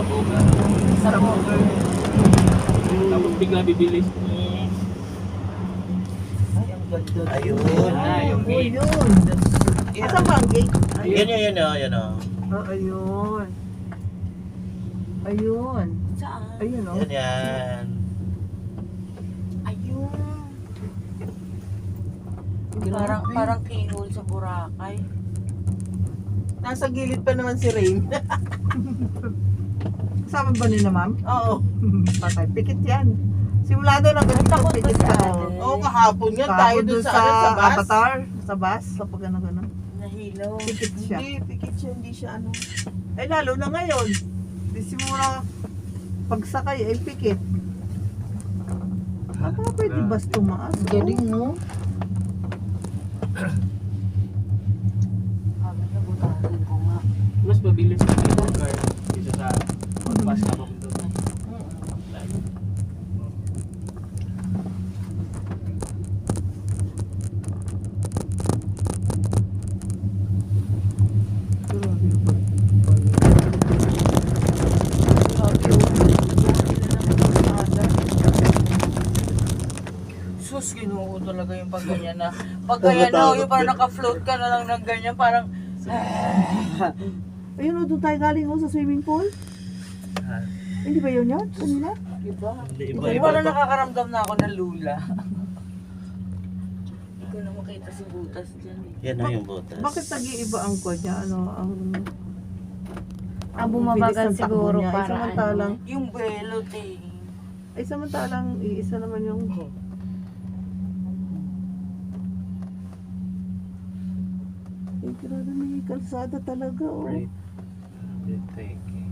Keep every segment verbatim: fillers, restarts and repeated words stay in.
Sabogan. Sabogan. Tapos bigla bibilis. Ay, ang ganda. Ayun. Ah, yung Oh, gate. yun. Asan ba ang gate? Yan yun, yun o, yan o. Ah, ayun. Ayun. Saan? Ayun, oh. Yan yan. Ayun. Grabe. Parang parang keyhole sa Boracay. Nasa gilid pa naman si Rain. Kasama ba nila, ma'am? Oo. Patay. Pikit yan. Simula doon ang ganito. Takot ba Pikit si ka. ate? Oo, kahapon yan. Tayo doon sa, sa bus. Avatar. Sa bus. Kapag ano gano'n. Nahilaw. Pikit siya. Hindi, pikit siya, hindi siya ano. Eh, lalo na ngayon. Di simula pagsakay ay pikit. Ano pa pwede bus tumaas? Galing mo. Sabi na butahin ko nga. Mas mabilis na yung car kaysa sa pagpas na papunta doon. Sus, ginuo talaga yung pag ganyan na. Pag ganyan na, yung parang naka-float ka na lang ng ganyan, parang Ayun o, doon tayo galing o sa swimming pool. Ah, Hindi ba yun yun? Kanina? iba. Hindi, iba, Kasi iba. parang nakakaramdam na ako ng lula. Hindi ko na makita si Butas dyan eh. Yan o yung butas. Bakit nag-iiba ang kwan niya? Ano, ang... Ah, bumabagal bilis ng takbo siguro niya. Ay, para samantalang, Yung belot eh. ay samantalang, iisa naman yung... Ay, grabe, may kalsada talaga, oh. Right. Taking.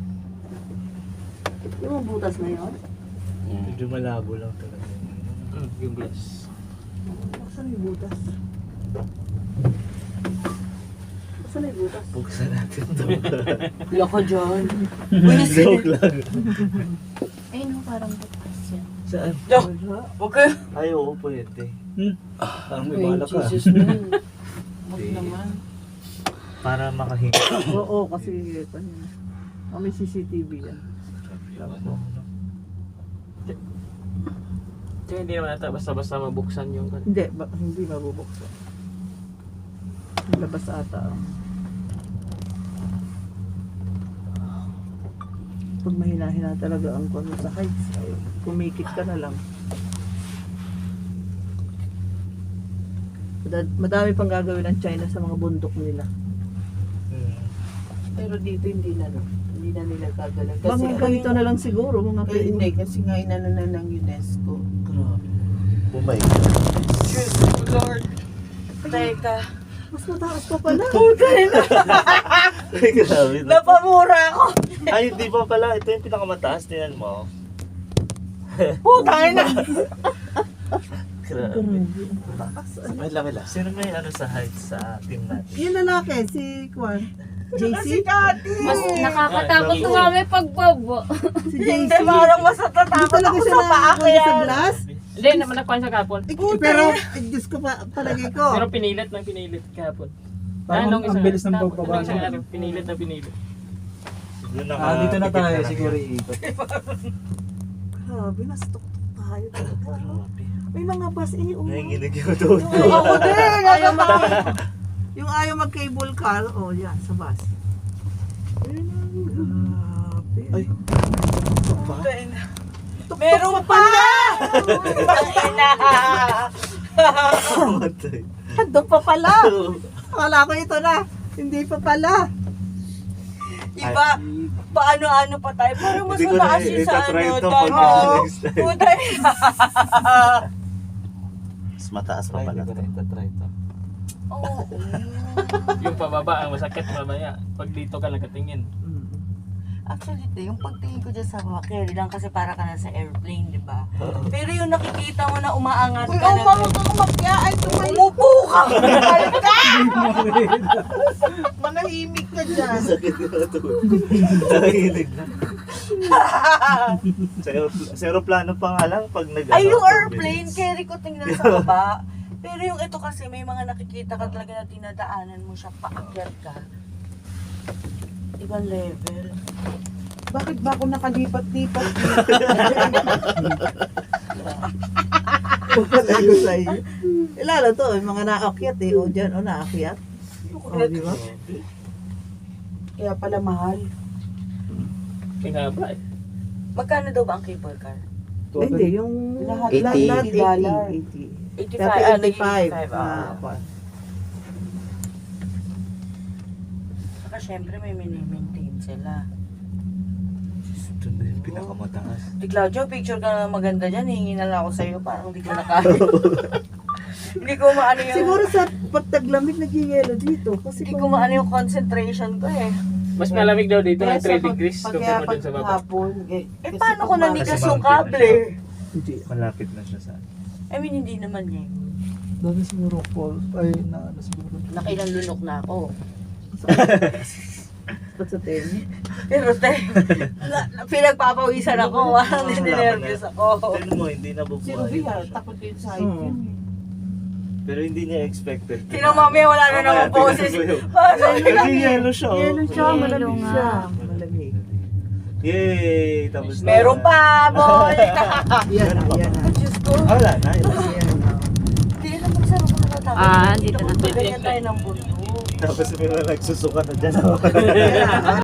Yung mga butas na yun? Medyo malabo lang talaga. Mm, yung glass. Saan yung butas? Saan yung butas? Buksan natin ito. Loko dyan. Joke lang. Ayun no, parang butas yan. Saan? Wala. Huwag kayo. Ay, oo, pwede. Parang may Ay, balak ka. Jesus man. Huwag Hindi. naman. Para makahinga. Oo, kasi kanina. Oh, may C C T V yan. Kaya hindi naman ata basta-basta mabuksan yung kan. Hindi, ba, hindi mabubuksan. Labas ata. oh. Pag mahina-hina talaga ang kwan mo sa heights, ay, kumikit ka na lang. Mada- Madami pang gagawin ng China sa mga bundok nila. Hmm. Pero dito hindi na, no? Hindi na nila gagalan. Kasi Mga ganito na lang siguro, mga Eh, hindi, kasi nga inano na ng UNESCO. Grabe. Oh my God. Diyos Lord. Teka. Mas mataas pa pala. Ay, grabe. Napamura ako. Ay, hindi pa pala. Ito yung pinakamataas. Tingnan mo. Putang na. Grabe. Taas. ano? Wait lang, wait lang. Sino may ano sa height sa team natin? Yung lalaki, si Kwan. J C? Mas nakakatakot tumami pagbabo. Si J C. Hindi, parang mas Hindi natatakot talaga ako siya sa paa ko nakakuha sa yan. glass. Hindi, naman nakuha sa kapon. Eh, pero, eh, Diyos ko pa, palagay ko. Pero pinilit ng pinilit kahapon. Parang Anong ang isang- bilis ng tapos, pagbaba anong isang niya. araw, pinilit na pinilit. Siguro naka- Ah, dito na tayo pikit siguro yan. iikot. Grabe, nasa tuktok tayo talaga. Grabe. May mga bus, eh, um, Nanginginig yung tuto. ako din, ayaw mag yung ayaw mag-cable car, oh yan, sa bus. Grabe. Ay. Meron pa! Ay na! Matay. Doon pa pala. Akala ko ito na. Hindi pa pala. Iba, paano-ano pa tayo? Parang mas Hindi ko na mataas yun sa itatry ano. ito dahil- pag Oo. next time. Putay. Mas mataas pa Ay, pala. hindi ko na itatry ito. Oo. Yung pababa ang masakit mamaya. Pag dito ka nakatingin. Actually, ito, yung pagtingin ko dyan sa mga carry lang kasi para ka na sa airplane, di ba? Pero yung nakikita mo na umaangat Uy, ka oh, na. mama ka umakya. Ay, tumayo. Umupo ka! Manahimik ka dyan. Sakit ko na ito. Nanginginig na. Sa aeropl- Sa aeroplano pa nga lang pag nag Ay, yung four airplane, minutes. carry ko tingnan sa baba. Pero yung ito kasi, may mga nakikita ka talaga na tinadaanan mo siya, paakyat ka. Ibang level. Bakit ba ako nakalipat-lipat? Pagkalay ko sa iyo. Eh, lalo to, yung mga naakyat eh. O dyan, o naakyat. O, di ba? Kaya pala mahal. Kaya ba eh. Magkano daw ba ang cable car? Eh, Hindi, yung Lahat, lahat, eighty. lahat eighty dollar. eighty. eighty-five. Dati Ah, eighty-five. eighty-five. Ah, Ah. pa. Saka syempre may mini-maintain sila. Ito na yung pinakamataas. Di Claudio, picture ka na maganda dyan. Hingi na lang ako sa'yo. Parang hindi ko na kaya. Hindi ko maano yung... Siguro sa pagtaglamig nag-yelo dito. Kasi Hindi ko maano yung concentration ko eh. Mas malamig daw dito ng Kaya sa three pag- degrees pag- compare kaya mo dun sa pag baba. hapon, eh, Eh kasi paano ko pag- nanigas Kasi yung mountain na kable? Hindi. Malapit na siya sa... I mean, hindi naman eh. Dami siguro fall. Ay, na ano siguro. Nakilang lunok na ako. Ba't sa tennis? Pero te, na, na, pinagpapawisan ako. Parang ninervous ako. Tignan mo, hindi Si nabubuhay Ruby pa ha, siya. takot din sa height Hmm. yun eh. Pero hindi niya expected. Sino mami, wala na naman poses. Parang Nag-yellow siya, oh. Yelo siya, Yelo malamig nga. siya. Malamig. Yay! Tapos na. meron pa, boy! Yan na, yan na. Diyos ko. Ah, wala na. yun. Yan na. Hindi na magsaro ko nakatawa. Ah, dito na. Ganyan tayo ng bundok. Tapos may mga nagsusuka na dyan. Yan na.